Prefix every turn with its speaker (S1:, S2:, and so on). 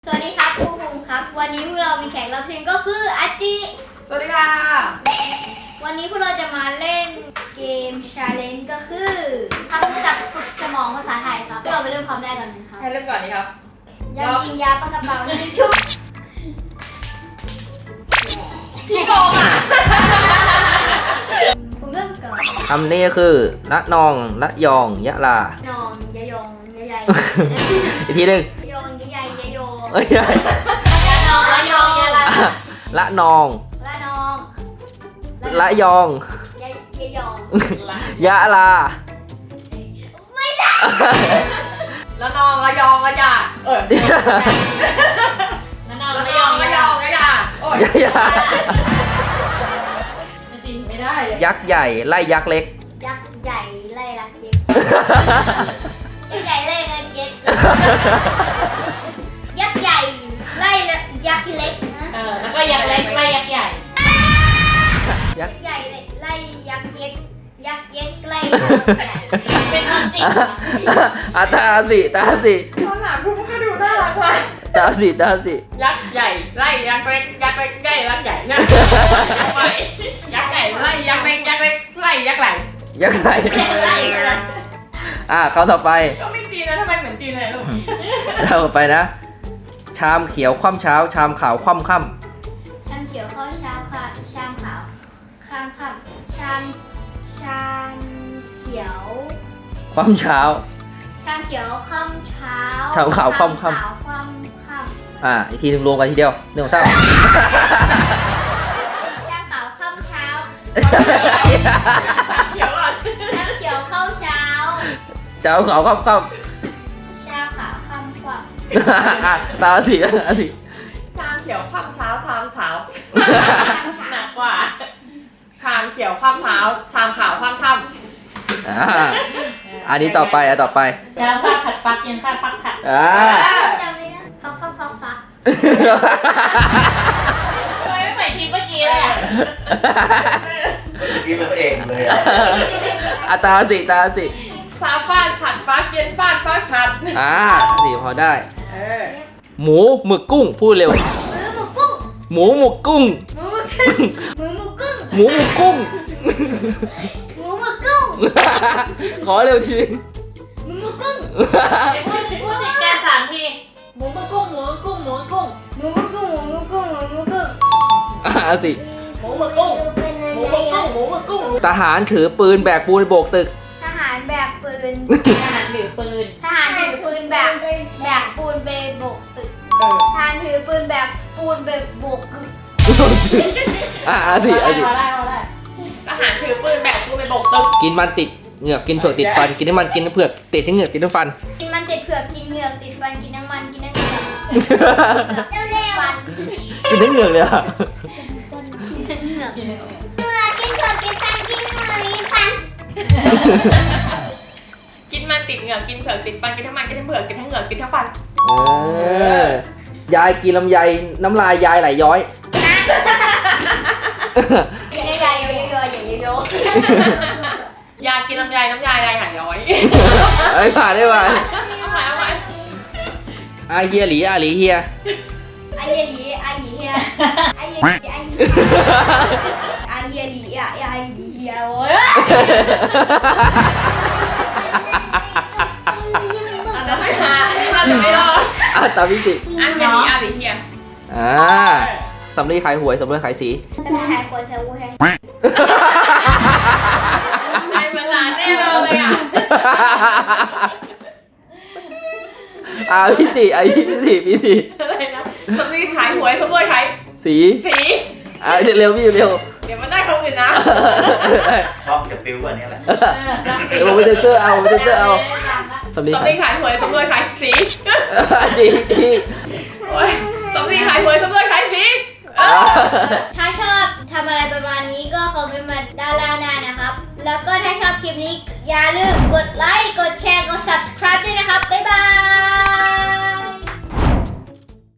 S1: สวัสดีครับครูภูมิครับวันนี้พวกเรามีแขกรับเชิญก็คืออาจิ
S2: สวัสดีค่ะ
S1: วันนี้พวกเราจะมาเล่นเกม challenge ก็คือคำศัพท์ฝึกสมองภาษาไทยครับเราไปเริ่มคำแรกกันนะครับ
S2: ให้เริ่มก่อนดีครับ
S1: ยายิงยาปากกระเป๋ายิงชุบ
S2: พี่โกงอ่ะ
S1: ผมเริ่มก่อน
S3: คำนี้ก็คือละนองละยองยะลาน
S1: องยายองยายใหญ่
S3: อีกทีหนึ่ง
S1: ยองยายใหญ่ยายโย
S3: เอ้ย
S1: ยานองยายองยายละ
S3: ละนอง
S1: ละนอง
S3: ละยอง
S1: ยายยายอง
S3: ยะลา
S1: ไม่ได้
S2: แล้วนองระยองระยาแล้วนองระยองระยองระยาโอ้ย
S3: ยะ
S2: จริงไม่ได้เลย
S3: ยักษ์ใหญ่ไล่ยักษ์เล็ก
S1: ยักษ์ใหญ่ไล่ลักเย็กยักษ์ใหญ่ไล่ลักเย็กยักษ์ใหญ่ไล่ยักษ์เล็กนะ
S2: แล้วก็ยักษ์เล็กไล่ยักษ์ใหญ่
S1: ยักษ์ใหญ่ไล่ยักษ์เย็กยักษ์เย็กไล่ยักษ์ใหญ่
S2: เป็นความจริง
S3: ตาสิตาสิ
S2: ข้างหลังคุณก็ดูน่ารักว่ะ
S3: ตาสิตาสิ
S2: ยักษ์ใหญ่ไล่ยักษ์เล็กยักษ์เล็กไล่ยักษ์ใหญ่เนี่ยยักษ์ใหญ่ไล่ยักษ์เล็กยักษ์เล็กไล่ยักษ์ไหล
S3: ยักษ์ไหน
S1: ไล่
S3: คำต่อไป
S2: ก็ไม่จีนนะทำไมเหมือนจีนเลยลูก
S3: ต่อไปนะ ชามเขียวคว่ำเช้า ชามขาวคว่ำค่
S1: ชามเขียวข้าวเช้าค่ะชามขาวข้ามค่ำชามเขียว
S3: ำคว่ำเช้า
S1: ชามเขียวค่ำเช้า
S3: ชามขาวค่ำค่ำ
S1: ชามขาวค่ำ
S3: อีกทีหนึ่งรวมกันทีเดียวหนึ่งสองสาม
S1: ชามขาวค่ำเช้า
S2: เขียวก่อน
S1: ชามเขียวข้าวเช้า
S3: เจ้าขาวค่ำค่
S1: ชามขาวค่ำกว่า
S3: ำตาสิตาสิ
S2: ชามเขียวคว่ำเช้าชามเช้าหนักกว่าชามเขียวคว่ำเช้าชามขาวคว่ำค่ำ
S3: อันนี้ต่อไปต่อไป
S4: จะฟักผัดฟักยังฟักฟักผัด
S1: จำไม่ได้ฟัก
S4: ทำไมไม่ใหม่ทีเมื่อกี้เลยอ่ะ
S5: ที่เป็นพระเอกเลยอ่ะ
S3: ตาสิตาสิ
S2: เช้าฟาดผัดฟักเย็นฟาดฟักผัด
S3: นี่พอได้
S2: เออ
S3: หมูหมึกกุ้งพูดเร็ว
S1: มือหมูกุ้ง
S3: หมูหมึกกุ้ง
S1: มือหมูกุ้ง
S3: หมูหมึกกุ้ง
S1: หมูหมูกุ้ง
S3: ขอเร็วทีนึง
S1: หมูหมูกุ้ง
S4: พูดติดกัน3 ทีหมูมะกุ้งหมูมะกุ้งหมูมะกุ้ง
S1: หมูหมูกุ้งหมูหมูกุ้งหมูหมูกุ้ง
S3: สิ
S2: หมูหมึกกุ้งหมูหมึกกุ้งหมูหมึกกุ้ง
S3: ทหารถือปืนแบกปูนโบกตึก
S1: ทหารแบกปืน
S4: ทหารถือปืน
S1: ทหารถือปืนแบกปูนไปโบกตึก
S2: เออ
S1: ทหารถือปืนแบกปูนไปโบกตึก
S3: สิ
S4: พอได้
S2: ทหารถือปืนแบกกูไปโบกตึก
S3: กินมันติดเหงือกกินเผือกติดฟัน กินน้ำมันกินน้ำเผือกติดทั้งเหงือกติดทั้งฟัน
S1: กินมันติดเผือกกินเหงือกติดฟันกินน้ำมันกินน้ำเหงือกเร็วฟัน
S3: กินทั้งเหงือกเลยอ่ะ
S1: กินเหงือก
S4: กิน
S1: เหงือกกินเผือกกินฟันกินเหงือกกินฟัน
S2: กินมันติดเหงือกกินเผือกติดฟันกินทั้งมันกินทั้งเผือกกินทั้งเหงือกกินทั้งฟัน
S3: ยายกินลำไยน้ำลายยายไหลย้อย
S1: กินใหญ่ๆเยอะๆอย่างเยอะ
S2: ยากินน้ำยายน้ำยายายหายย้อย
S3: ผ่านได้ไหม
S2: เอาใหม่เอาใหม่
S3: อาเฮียหลีอาหลีเฮีย
S1: ๆไอเยหลีไอหยีเฮียไอเยหลีไอหยีไอเยหลีอะไอหยีเฮียโว้ย
S2: เดี๋ยวให้หาอันนี้เราจะไม่รอด
S3: ตามพิจิ
S2: อันนี้อาริเฮีย
S3: สำลีขายหวยสำลีขายสี
S1: จะมีหายคนเซลล์ให้
S2: ใครเหมือนหลานแน่เลยอ่ะ
S3: พี่สี่พี่สี่
S2: อะไรนะสมมติขายหวยสมมติขาย
S3: สี
S2: สี
S3: เร็วพี่เร็ว
S2: เดี๋ยวมันได้คนอื่นนะ
S5: ชอบจะปิ้วกว่านี้แหละ
S3: เดี๋ยวผมไปเซ็นเซอร์เอาสำ
S2: ส
S3: ลี
S2: มมติขายหวยสมมติขายสี
S3: ดี
S2: โอ้ยสมมติขายหวยสมมติขายสี
S1: ถ้าชอบทำอะไรประมาณนี้ก็คอมเมนต์มาด้านล่างได้นะครับ แล้วก็ถ้าชอบคลิปนี้อย่าลืมกดไลค์ กดแชร์ กด subscribe ด้วยนะครับ บ๊ายบาย